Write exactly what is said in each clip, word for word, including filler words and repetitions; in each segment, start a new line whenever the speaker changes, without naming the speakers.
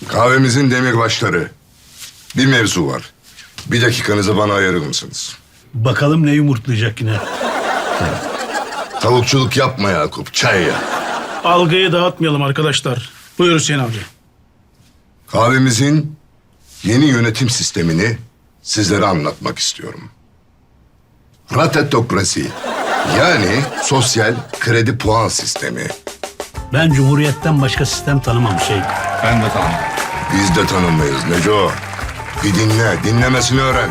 Kahvemizin demirbaşları. Bir mevzu var. Bir dakikanızı bana ayırır mısınız?
Bakalım ne yumurtlayacak yine.
Tavukçuluk yapma Yakup, çay ya.
Algıyı dağıtmayalım arkadaşlar. Buyur Hüseyin abi.
Kahvemizin yeni yönetim sistemini sizlere anlatmak istiyorum. Ratetokrasi, yani sosyal kredi puan sistemi.
Ben Cumhuriyet'ten başka sistem tanımam şey.
Ben de tamam.
Biz de tanımayız Neco. Bir dinle, dinlemesini öğren.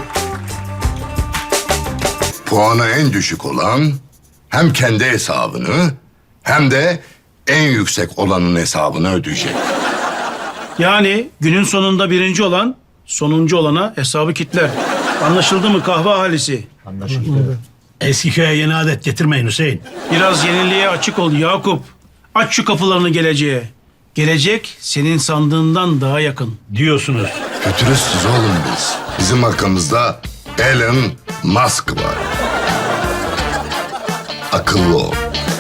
Puanı en düşük olan hem kendi hesabını hem de en yüksek olanın hesabını ödeyecek.
Yani günün sonunda birinci olan sonuncu olana hesabı kitler. Anlaşıldı mı kahve ahalisi?
Eskiköy'e yeni adet getirmeyin Hüseyin.
Biraz yeniliğe açık ol Yakup. Aç şu kapılarını geleceğe. Gelecek senin sandığından daha yakın.
Diyorsunuz.
Fütüristiz oğlum biz. Bizim arkamızda Elon Musk var. Akıllı ol.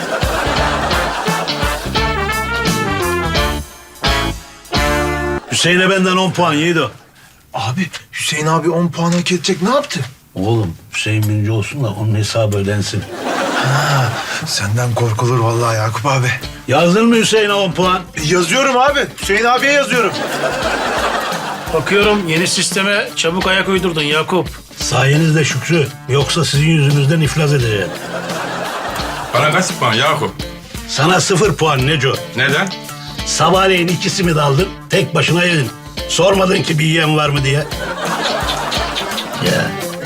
Hüseyin'e benden on puan Yiğido.
Abi Hüseyin abi on puan hak edecek, ne yaptı?
Oğlum Hüseyin birinci olsun da onun hesabı ödensin.
Senden korkulur vallahi Yakup abi.
Yazdın mı Hüseyin'e on puan?
Yazıyorum abi. Hüseyin abiye yazıyorum.
Bakıyorum yeni sisteme çabuk ayak uydurdun Yakup.
Sayenizde Şükrü. Yoksa sizin yüzünüzden iflas edeceğim.
Bana kaç puan Yakup?
Sana sıfır puan Neco.
Neden?
Sabahleyin iki simit aldın, tek başına yedin. Sormadın ki bir yiyen var mı diye. Ya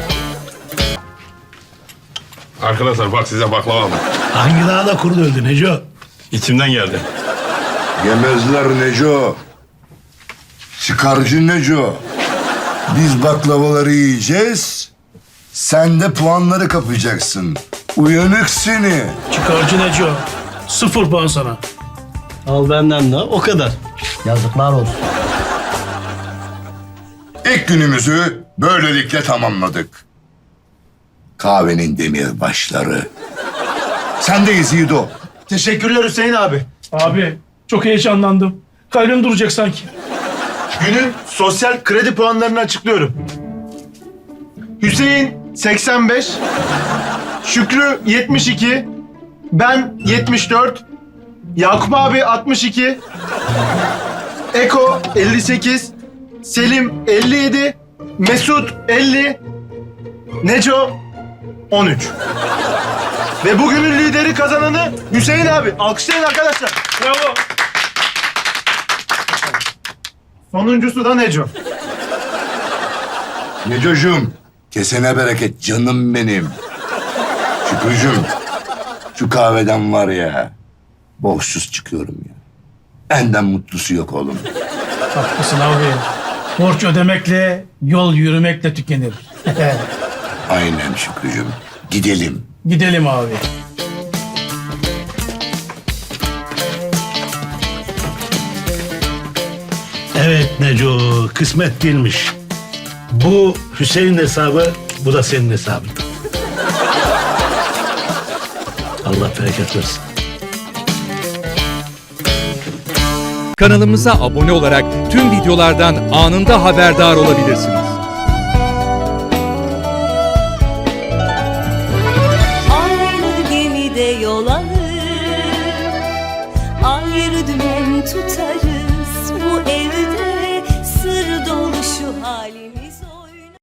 Arkadaşlar bak size baklava aldım.
hangi dağda kurt öldü Neco?
İçimden geldi.
Yemezler Neco. Çıkarcı Neco. Biz baklavaları yiyeceğiz. Sen de puanları kapacaksın. Uyanık seni.
Çıkarcı Neco. Sıfır puan sana.
Al benden de o kadar. Yazıklar olsun.
İlk günümüzü böylelikle tamamladık. Kahvenin demirbaşları. Sendeyiz Yiğido.
Teşekkürler Hüseyin abi.
Abi çok heyecanlandım. Kalbim duracak sanki.
Günün sosyal kredi puanlarını açıklıyorum. Hüseyin seksen beş, Şükrü yetmiş iki, ben yetmiş dört, Yakup abi altmış iki, Eko elli sekiz, Selim elli yedi, Mesut elli, Neco on üç. Ve bugünün lideri kazananı Hüseyin abi. Alkışlayın arkadaşlar.
Bravo.
Sonuncusu da Neco.
Necocuğum, kesene bereket canım benim. Şükrücüğüm, şu kahveden var ya, borçsuz çıkıyorum ya. Benden mutlusu yok oğlum.
Haklısın abi. Borç ödemekle, yol yürümekle tükenir.
Aynen Şükrücüğüm. Gidelim.
Gidelim abi.
Evet Neco, kısmet değilmiş. Bu Hüseyin'in hesabı, bu da senin hesabın. Allah bereket versin.
Kanalımıza abone olarak tüm videolardan anında haberdar olabilirsiniz.
Aynı gemide yol alır, ayrı dümen tutarız.